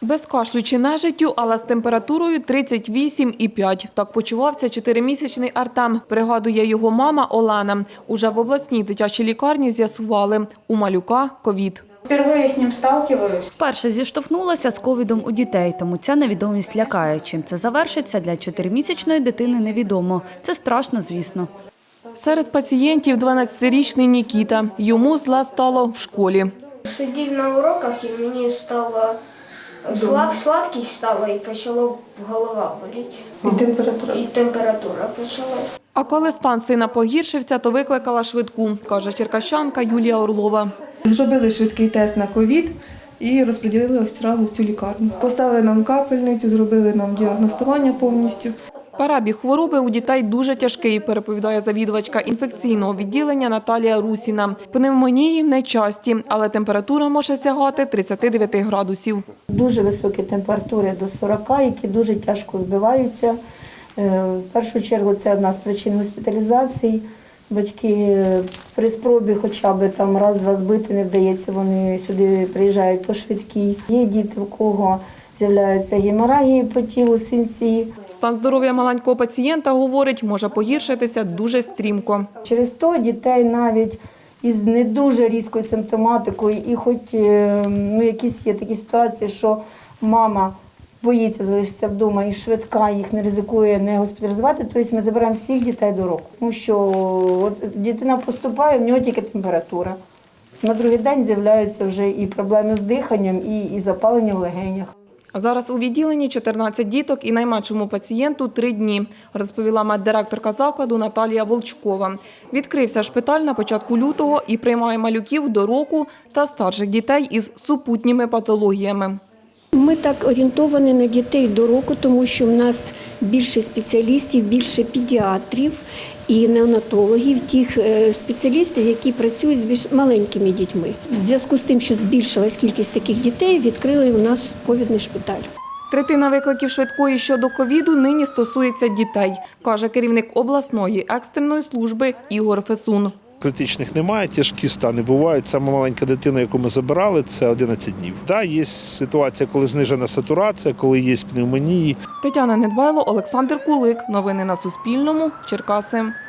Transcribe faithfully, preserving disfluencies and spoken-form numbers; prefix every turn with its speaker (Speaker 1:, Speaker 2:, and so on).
Speaker 1: Без кашлю чи нежиттю, але з температурою тридцять вісім і п'ять. Так почувався чотиримісячний Артем, пригадує його мама Олена. Уже в обласній дитячій лікарні з'ясували – у малюка ковід.
Speaker 2: Впервые з ним сталкиваюсь.
Speaker 3: Вперше зіштовхнулася з ковідом у дітей, тому ця невідомість лякає. Чим це завершиться, для чотиримісячної дитини невідомо. Це страшно, звісно.
Speaker 1: Серед пацієнтів дванадцятирічний Нікіта. Йому зле стало в школі.
Speaker 4: Сидів на уроках і мені стало слаб, слабкість стала і почала голова боліти.
Speaker 2: І температура.
Speaker 4: І температура почалась.
Speaker 1: А коли стан сина погіршився, то викликала швидку, каже черкащанка Юлія Орлова.
Speaker 5: Зробили швидкий тест на ковід і розподілили одразу в цю лікарню. Поставили нам капельницю, зробили нам діагностування повністю.
Speaker 1: Перебіг хвороби у дітей дуже тяжкий, переповідає завідувачка інфекційного відділення Наталія Русіна. Пневмонії нечасті, але температура може сягати тридцяти дев'яти градусів.
Speaker 6: Дуже високі температури до сорока, які дуже тяжко збиваються. В першу чергу це одна з причин госпіталізації. Батьки при спробі хоча б там раз-два збити не вдається, вони сюди приїжджають по швидкій. Є діти, у кого з'являються геморагії по тілу, синці.
Speaker 1: Стан здоров'я маленького пацієнта, говорить, може погіршитися дуже стрімко.
Speaker 6: Через то дітей навіть із не дуже різкою симптоматикою, і хоч ну, якісь є такі ситуації, що мама боїться залишитися вдома і швидка їх не ризикує не госпіталізувати, тобто ми забираємо всіх дітей до року. Тому що от дитина поступає, в нього тільки температура. На другий день з'являються вже і проблеми з диханням, і, і запалення в легенях.
Speaker 1: Зараз у відділенні чотирнадцять діток і найменшому пацієнту три дні, розповіла меддиректорка закладу Наталія Волчкова. Відкрився шпиталь на початку лютого і приймає малюків до року та старших дітей із супутніми патологіями.
Speaker 7: Ми так орієнтовані на дітей до року, тому що в нас більше спеціалістів, більше педіатрів і неонатологів, тих спеціалістів, які працюють з більш маленькими дітьми. В зв'язку з тим, що збільшилась кількість таких дітей, відкрили у нас ковідний шпиталь.
Speaker 1: Третина викликів швидкої щодо ковіду нині стосується дітей, каже керівник обласної екстреної служби Ігор Фесун.
Speaker 8: Критичних немає, тяжкі стани бувають. Саме маленька дитина, яку ми забирали, це одинадцять днів. Да, є ситуація, коли знижена сатурація, коли є пневмонії.
Speaker 1: Тетяна Недбайло, Олександр Кулик. Новини на Суспільному. Черкаси.